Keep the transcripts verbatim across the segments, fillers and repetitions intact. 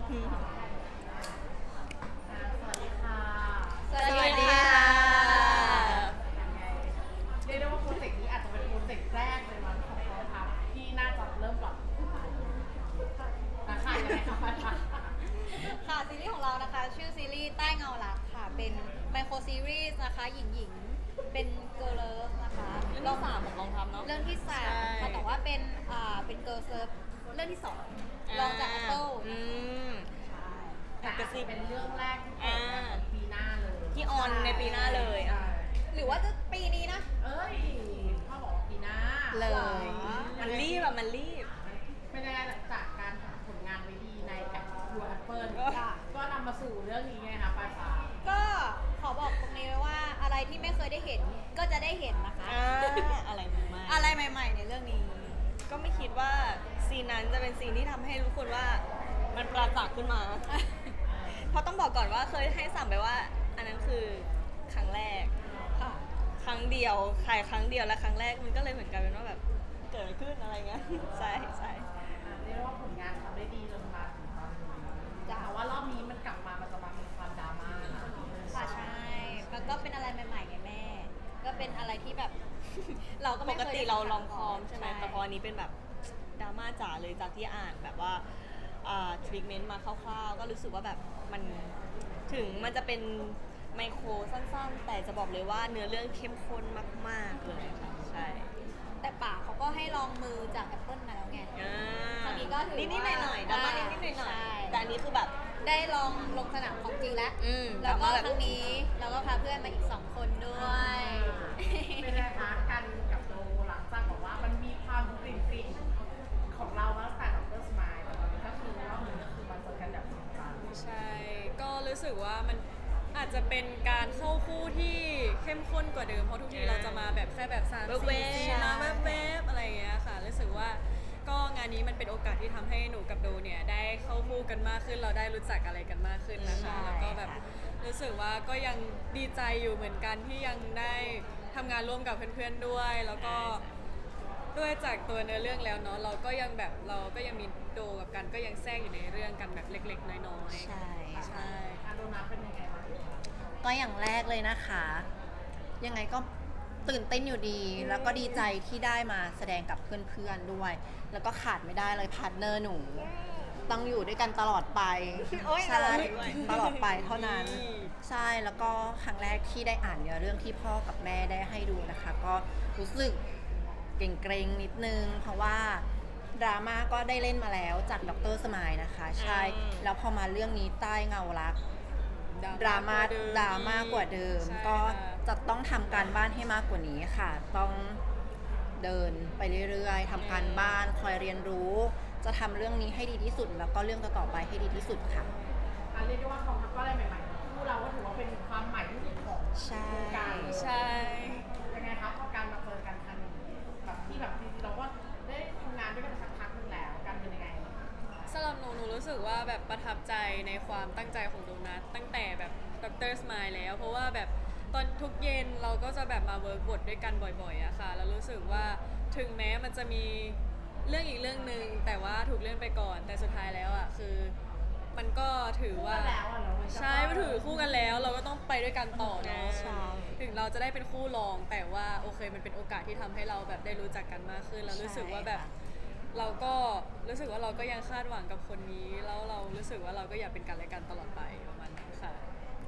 สวัสดีค่ะสวัสดีค่ะยังไงเรียกได้ว่าโปรเจกต์นี้อาจจะเป็นโปรเจกต์แรกเลยมั้งของเราครับที่น่าจะเริ่มปรับราคายังไงคะค่ะซีรีส์ของเรานะคะชื่อซีรีส์ใต้เงารักค่ะเป็นไมโครซีรีส์นะคะหญิงหญิงๆเป็นเกิร์ลเลิฟนะคะเรื่องที่สามของกองทัพเนาะเรื่องที่สามใช่ค่ะแต่ว่าเป็นอ่าเป็นเกิร์ลเลิฟเรื่องที่สองรองจากแอปเปิลอืมแต่อาจจะเป็นเรื่องแรกที่เปิดในของปีหน้าเลยที่ออนในปีหน้าเลยอ่ะหรือว่าจะปีนี้นะเอ้ยพ่อบอกว่าปีหน้าเลยมันรีบอะมันรีบเป็นยังไงหลังจากการทำผลงานไว้ดีในแอปยูแอปเปิลค่ะก็นำมาสู่เรื่องนี้ไงคะปลายฟ้าก็ขอบอกตรงนี้ไว้ว่าอะไรที่ไม่เคยได้เห็นก็จะได้เห็นนะคะอ่าอะไรมากอะไรใหม่ ๆ ในเรื่องนี้ก็ไม่คิดว่าซีนนั้นจะเป็นซีนที่ทำให้รู้คนว่ามันปราจักษ์ขึ้นมา เพราะต้องบอกก่อนว่าเคยให้สั่งไปว่า อันนั้นคือครั้งแรกค่ะครั้งเดียวถ่ายครั้งเดียวและครั้งแรกมันก็เลยเหมือนกันเป็นว่าแบบเกิดอะไรขึ้นอะไรเงี้ย ใช่ใช่อ่าเรียกว่าผลงานทำได้ดีจนมาถึงตอนนี้จ้ะแต่ว่ารอบนี้มันกลับมามันจะมามีความดราม่านะค่ะใช่มันก็เป็นอะไรใหม่ๆไงแม่ ก็เป็นอะไรที่แบบ เราก็ปไม่กเคยติได้เราทำลองคอมใช่ไหมแต่พออันนี้เป็นแบบดราม่าจ๋าเลยจากที่อ่านแบบว่าทรีทเมนต์มาคร่าวๆ ก็รู้สึกว่าแบบมันถึงมันจะเป็นไมโครสั้นๆ แต่จะบอกเลยว่าเนื้อเรื่องเข้มข้นมากๆเลยค่ะใช่แต่ป่าเขาก็ให้ลองมือจากแอปเปิลมาแล้วไงอ่าตอนนี้ก็ถือว่านิดๆหน่อยๆดราม่านิดๆหน่อยใช่ๆแต่อันนี้คือแบบได้ลองลงสนามของจริงแล้วอืมแล้วก็ดราม่าแบบครั้งนี้เราก็พาเพื่อนมาอีกสองคนด้วยเป็นไงคะกันกับโดหลังจากบอกว่ามันมีความกลิ่นกลิ่นๆของเรามาตั้งแต่ดรสมายแต่ตอนนี้ก็คือรอบนี้ก็คือมาเจอกันแบบจริงจังใช่ ก็รู้สึกว่ามันอาจจะเป็นการเข้าคู่ที่เข้มข้นกว่าเดิม เพราะทุกทีเราจะมาแบบแค่แบบสามแวสี่บๆซีนมาแวบๆอะไรอย่างเงี้ยค่ะ รู้สึกว่าก็งานนี้มันเป็นโอกาสที่ทำให้หนูกับโดเนี่ยได้เข้าคู่กันมากขึ้น เราได้รู้จักอะไรกันมากขึ้นนะคะใช่แล้วก็แบบรู้สึกว่าก็ยังดีใจอยู่เหมือนกันที่ยังได้ทำงานร่วมกับเพื่อนๆด้วย แล้วก็ ด้วยจากตัวเนื้อเรื่องแล้วเนาะเราก็ยังแบบเราก็ยังมีโดกับกันก็ยังแทรกอยู่ในเรื่องกันแบบเล็กๆ น้อยๆใช่ใช่อาโดนัทเป็นยังไงบ้างคะก็อย่างแรกเลยนะคะ ยังไงก็ตื่นเต้นอยู่ดี แล้วก็ดีใจที่ได้มาแสดงกับเพื่อนๆด้วย แล้วก็ขาดไม่ได้เลยพาร์ทเนอร์หนู ต้องอยู่ด้วยกันตลอดไปโอ๊ยใช่ตลอดด้วยตลอดไปเท่านั้นนี่ใช่แล้วก็ครั้งแรกที่ได้อ่านเนื้อเรื่องที่พ่อกับแม่ได้ให้ดูนะคะ ก็รู้สึกเกรงๆนิดนึง เพราะว่าดราม่าก็ได้เล่นมาแล้วจากดรสมายนะคะ ใช่อืมแล้วพอมาเรื่องนี้ใต้เงารัก ดราม่าดราม่ากว่าเดิมใช่ก็ค่ะจะต้องทำการบ้านให้มากกว่านี้ค่ะ ต้องเดินไปเรื่อยๆทำการบ้านคอยเรียนรู้ จะทำเรื่องนี้ให้ดีที่สุด แล้วก็เรื่องต่อๆไปให้ดีที่สุดค่ะอ่ะเรียกได้ว่ากองทัพก็อะไรใหม่ๆคู่เราก็ถือว่าเป็นความใหม่ที่สุดของใช่วงการเลยใช่ยังไงครับพอการมาเจอกันครั้งนี้แบบที่แบบจริงๆเราก็ได้ทำงานด้วยกันสักพักหนึงแล้วกันเป็นยังไงสำหรับหนูหนูรู้สึกว่าแบบประทับใจในความตั้งใจของโดนัทตั้งแต่แบบดรสมายแล้ว เพราะว่าแบบตอนทุกเย็นเราก็จะแบบมาเวิร์กบทด้วยกันบ่อยๆอะค่ะแล้วรู้สึกว่าถึงแม้มันจะมีเรื่องอีกเรื่องหนึ่งแต่ว่าถูกเลื่อนไปก่อน แต่สุดท้ายแล้วอะคือมันก็ถือว่าคู่กันแล้วอะเนอะมันก็ใช่มันถือคู่กันแล้ว เราก็ต้องไปด้วยกันต่อเนาะใช่ถึงเราจะได้เป็นคู่รอง แต่ว่าโอเคมันเป็นโอกาสที่ทำให้เราแบบได้รู้จักกันมากขึ้นแล้วรู้สึกว่าแบบ เราก็รู้สึกว่าเราก็ยังคาดหวังกับคนนี้ แล้วเรารู้สึกว่าเราก็อยากเป็นกันและกันตลอดไปประมาณนั้นค่ะ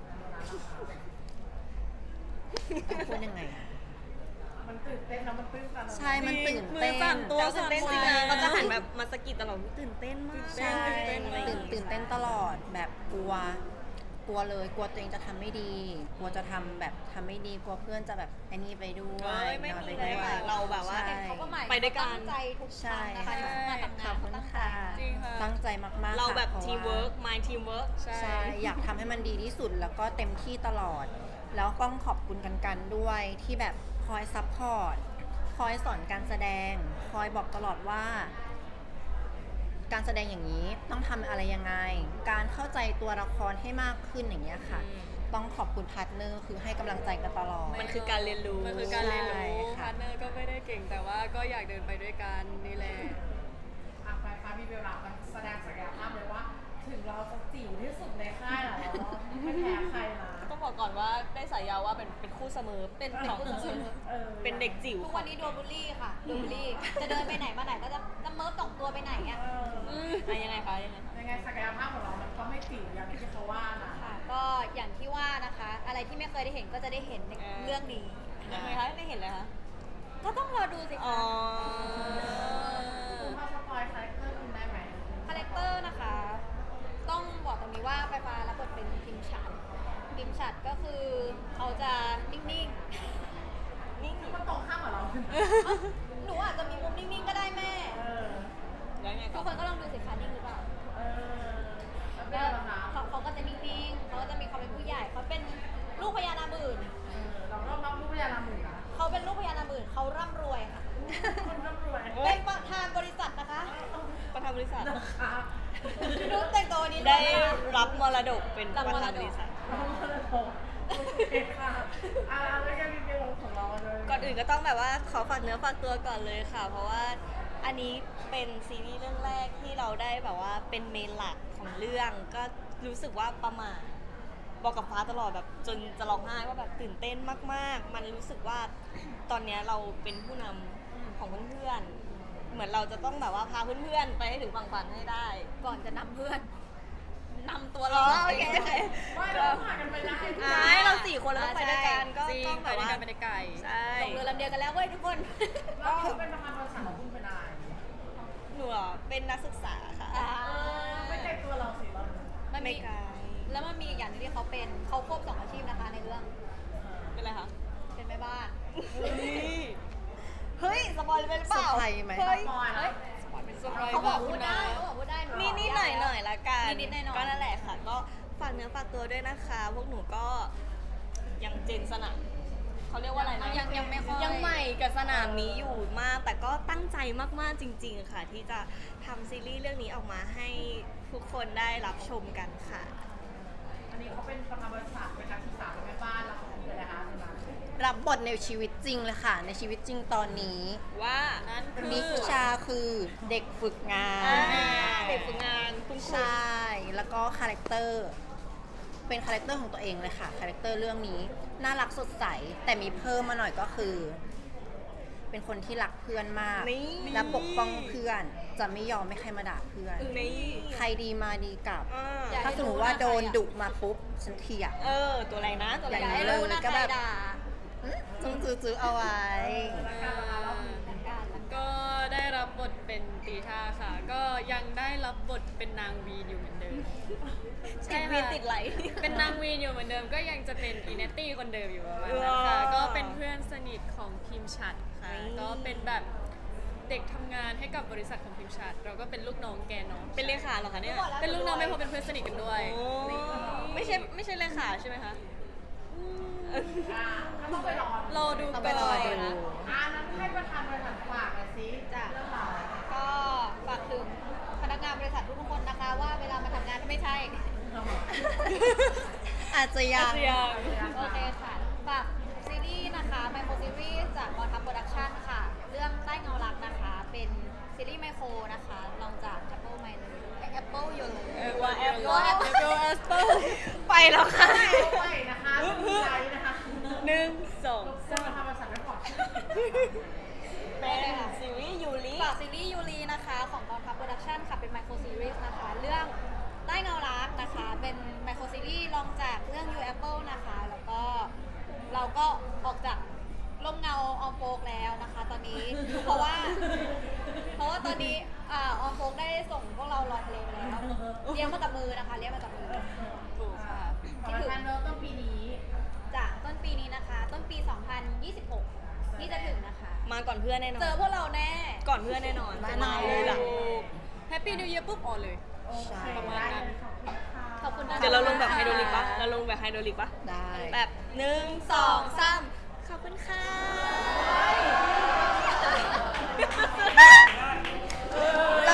พูดยังไงอะมันตื่นเต้นแล้วมันตื้นตันใช่ มันตื่นมืเต้อสั่นนตัวแล้วตื่นเต้นจริงใช่นะเขาจะหันแบบมาสะกิดตลอดตื่นเต้นมากใช่ตื่นเต้นมากตื่นตื่นเต้นตลอดแบบกลัว กลัวเลย กลัวตัวเองจะทำไม่ดี กลัวจะทำแบบทำไม่ดี กลัวเพื่อนจะแบบไอ้นี่ไปด้วเอ้ยยไม่นอนมีไปเลยด้วยค่ะเราแบบว่าใช่เขาก็หมายไปด้วยกันตั้งใจทุกคใช่รั้งนะคะที่มาทำงาขอน บคุเขาณตั้งใจค่ะจริงค่ะตั้งใจมากๆเราแบบค่ะพะทีมว่าเวิร์กมายทีมเวิร์กใช่ใช่ อยากทำให้มันดีที่สุดแล้วก็เต็มที่ตลอด แล้วต้องขอบคุณกันกันด้วยที่แบบคอยซัพพอร์ต คอยสอนการแสดง คอยบอกตลอดว่า การแสดงอย่างนี้ต้องทำอะไรยังไง การเข้าใจตัวละครให้มากขึ้นอย่างเงี้ยค่ะอืมต้องขอบคุณพาร์ทเนอร์คือให้กำลังใจกันตลอดมันคือการเรียนรู้มันคือการเรียนรู้ใช่ค่ะพาร์ทเนอร์ก็ไม่ได้เก่งแต่ว่าก็อยากเดินไปด้วยกันนี่แหละอ่ะไฟฟ้ามีเวลาแสดงศักยภาพเลยว่า ถึงเราจะจิ๋วที่สุดในค่ายเหรอไม่แพ้ใครนะต้องบอกก่อนว่าได้สายยาวว่าเป็นเป็นคู่เสมอเป็นของเออเป็นเด็กจิ๋วทุกวันนี้โดนบูลลี่ค่ะโดนบูลลี่ จะเดินไปไหนมาไหนก็จะจะเมิร์ฟสองตัวไปไหนอ่ะเอออ่ะยังไงคะยังไงยังไงศักยภาพของเรามันก็ไม่จิ๋วอย่างที่เขาว่านะค่ะ ก็อย่างที่ว่านะคะ อะไรที่ไม่เคยได้เห็นก็จะได้เห็นในเออเรื่องนี้ยังไงคะไม่เห็นเลยคะก็ต้องรอดูสิอ๋อคะคุณพอสปอยคาแรคเตอร์คุณได้ไหมคาแรคเตอร์นะคะ ต้องบอกตรงนี้ว่าไฟฟ้ารับบทเป็นพิมชัดพิมชัดก็คือเขาจะนิ่งๆนิ่งมันตรงข้ามกับเราเอ้าหนูอาจจะมีมุมนิ่งๆก็ได้แม่เออแล้วไงทุต่กอคนก็ลองดูสิคะนิ่งหรือเปล่าเออแล้วเป็นก็อะไรบ้างคะเขาเขาก็จะนิ่งๆเขาก็จะมีความเป็นผู้ใหญ่เขาเป็นลูกพญานาคหมื่นเออเราก็รับรู้พยานหมื่นนะเขาเป็นลูกพญานาคหมื่นเขาร่ำรวยค่ะคนร่ำรวยเป็นประธานบริษัทนะคะประธานบริษัทนะคะรู้แต่งตัววันนี้ได้วยนะคะรับมรดกเป็นรับประมรดกธานบริษัทเราก็เลยโทรโอเคค่ะอ่าแล้วก็มีเรื่องของเราเลยก่อนอื่นก็ต้องแบบว่าขอฝากเนื้อฝากตัวก่อนเลยค่ะ เพราะว่าอันนี้เป็นซีรีส์เรื่องแรกที่เราได้แบบว่าเป็นเมนหลักของเรื่อง ก็รู้สึกว่าประหมาทบอกกับฟ้าตลอดแบบจนจะร้องไห้ว่าแบบตื่นเต้นมากๆ มันรู้สึกว่าตอนเนี้ยเราเป็นผู้นำของเพื่อนๆ เหมือนเราจะต้องแบบว่าพาเพื่อนๆไปให้ถึงฝั่งฝันให้ได้ก่อนจะนำเพื่อนนำตัวอ๋เราอโอเคโอเคไม่เราผ่านกันไปได้ใช่เราสี่คนเราต้องไปด้วยกันก็จริงต้องไปแบบด้วยว่ากันไปได้ไกลใช่ลงเรือลำเดียวกันแล้วเว้ยทุกคนเราเป็นประธานบริษัทของคุณเป็นอะไรหนูเหรอเป็นนักศึกษาค่ะอ่าไม่ใช่ตัวเราสิเรามันไม่มีไกลแล้วมันมีอีกอย่างหนึงที่เขาเป็นเขาควบสองอาชีพนะคะในเรื่องเป็นไรคะเป็นแม่บ้านเฮ้ย สปอยล์ไปหรือเปล่าเซอร์ไพรส์ไหมเฮ้ยปอยนะเป็นเซอร์ไพรส์เขาบอกมพูดได้เขาบอกพูดได้หนิดนิดหน่อยหน่อยๆละกันนิดๆหน่อยๆก็นั่นแหละค่ะ ก็ฝากเนื้อฝากตัวด้วยนะคะ พวกหนูก็ยังเจนสนามเขาเรียกว่าอะไรนะยังยังไม่ค่อยยังใหม่กับสนามนี้อยู่มาก แต่ก็ตั้งใจมากๆจริง ๆ ค่ะ ที่จะทำซีรีส์เรื่องนี้ออกมาให้ทุกคนได้รับชมกันค่ะอันนี้เขาเป็นประธานบริษัทเป็นนักศึกษาเป็นแม่บ้านแล้วเขาเป็นอะไรคะใช่ไหมรับบทในชีวิตจริงเลยค่ะ ในชีวิตจริงตอนนี้ว่านั่นคือนิชาคือเด็กฝึกงาอ่าน เด็กฝึกงานคุณครูใช่ แล้วก็คาแรคเตอร์ เป็นคาแรคเตอร์ของตัวเองเลยค่ะ คาแรคเตอร์เรื่องนี้ น่ารักสดใส แต่มีเพิ่มมาหน่อยก็คือ เป็นคนที่รักเพื่อนมากนี่และปกป้องเพื่อน จะไม่ยอมให้ใครมาด่าเพื่อนนี่ใครดีมาดีกลับอ่าอยากถ้าสมมติว่าโดนดุมาปุ๊บ ฉันเถียงเออ ตัวอะไรนะตัวอะไรอย่างอย่านี้ให้นะรู้นะก็ใครแบบด่าจุ้งจื้อๆเอาไว้แล้วการประธานรอบนี้หลังการหลังการก็ได้รับบทเป็นตีท่าค่ะ ก็ยังได้รับบทเป็นนางวีนอยู่เหมือนเดิมติดวีนติดไหลเป็นนางวีนอยู่เหมือนเดิม ก็ยังจะเป็นอินเนตตี้คนเดิมอยู่ประมาณนั้นค่ะว้าวก็เป็นเพื่อนสนิทของพิมพ์ชัดค่ะนี่ก็เป็นแบบเด็กทำงานให้กับบริษัทของพิมพ์ชัด เราก็เป็นลูกน้องแกเนาะเป็นเลขาเหรอคะเนี่ยเป็นลูกน้องไม่พอเป็นเพื่อนสนิทกันด้วยโอ้ไม่ใช่ไม่ใช่เลขาใช่ไหมคะอ่าก็ต้องไปรอรอดูต้องก่ไปรออนดูนะอ่านั้นให้ประธานบริษัทฝากหน่อยสิจ้ะเรื่องราวก็ฝากถึงพนักงานบริษัททุกๆคนนะคะ ว่าเวลามาทำงานไม่ใช่อาจจะยังอาจจะยังโอเคค่ะ ฝากซีรีส์นะคะไมโครซีรีส์จากกองทัพโปรดักชั่นค่ะ เรื่องใต้เงารักนะคะ เป็นซีรีส์ไมโครนะคะลองจาก Apple ไมเลย Apple อยู่เลยเออว่าแอปว่าว่าแอปแอปแอปเปิลไปแล้วค่ะด้วยนะคะมีใจนะคะหนึ่งสองรบกวนประธานบริษัทไว้ก่อนเป็นซีรีส์ยูริฝากซีรีส์ยูรีนะคะ ของกองทัพโปรดักชั่นค่ะ เป็นไมโครซีรีส์นะคะ เรื่องใต้เงารักนะคะ เป็นไมโครซีรีส์ลองจากเรื่อง You Apple นะคะ แล้วก็เราก็ออกจากร่มเงาออมโฟกแล้วนะคะ ตอนนี้ เพราะว่า เพราะว่าตอนนี้อ่าออมโฟกได้ส่งพวกเราลอยทะเลไปแล้วเลี้ยงมากับมือนะคะเลี้ยงมากับมือถูกค่ะขอประธานเริ่มต้นปีนี้จากต้นปีนี้นะคะ ต้นปี สองพันยี่สิบหก ที่จะถึงนะคะมาก่อนเพื่อนแน่นอนเจอพวกเราแน่ก่อนเพื่อนแน่นอนมาจะแน่มาเลยล่ะแฮปปี้นิวเยียร์ปุ๊บออนเลยโอเคประมาณนั้นขอบคุณค่ะขอบคุณนะเดี๋ยวเราลงแบบไฮโดรลิกปะเราลงแบบไฮโดรลิกปะได้แบบหนึ่งสองสามขอบคุณค่ะเ